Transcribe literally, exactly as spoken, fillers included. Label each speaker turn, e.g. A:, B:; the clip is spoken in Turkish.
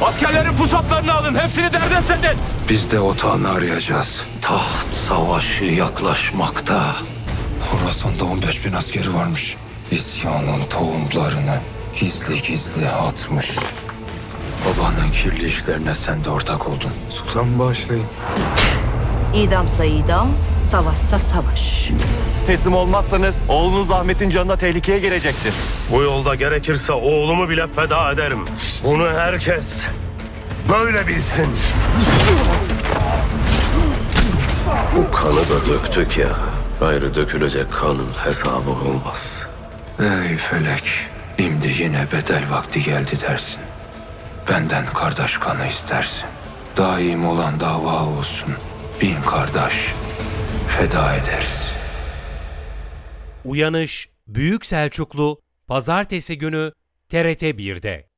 A: Askerlerin pusatlarını alın. Hepsini derdest edin.
B: Biz de otağını arayacağız. Taht savaşı yaklaşmakta. Horasan'da on beş bin askeri varmış. İsyanın tohumlarını gizli gizli atmış. Babanın kirli işlerine sen de ortak oldun.
A: Sultan bağışlayın.
C: İdamsa idam, savaşsa savaş.
D: Teslim olmazsanız oğlunuz Ahmet'in canına tehlikeye gelecektir.
E: Bu yolda gerekirse oğlumu bile feda ederim. Bunu herkes böyle bilsin. Bu kanı da döktük ya. Gayrı dökülecek kanın hesabı olmaz.
B: Ey felek, şimdi yine bedel vakti geldi dersin. Benden kardeş kanı istersin. Daim olan dava olsun. Bin kardeş feda ederiz.
F: Uyanış Büyük Selçuklu Pazartesi günü T R T bir'de.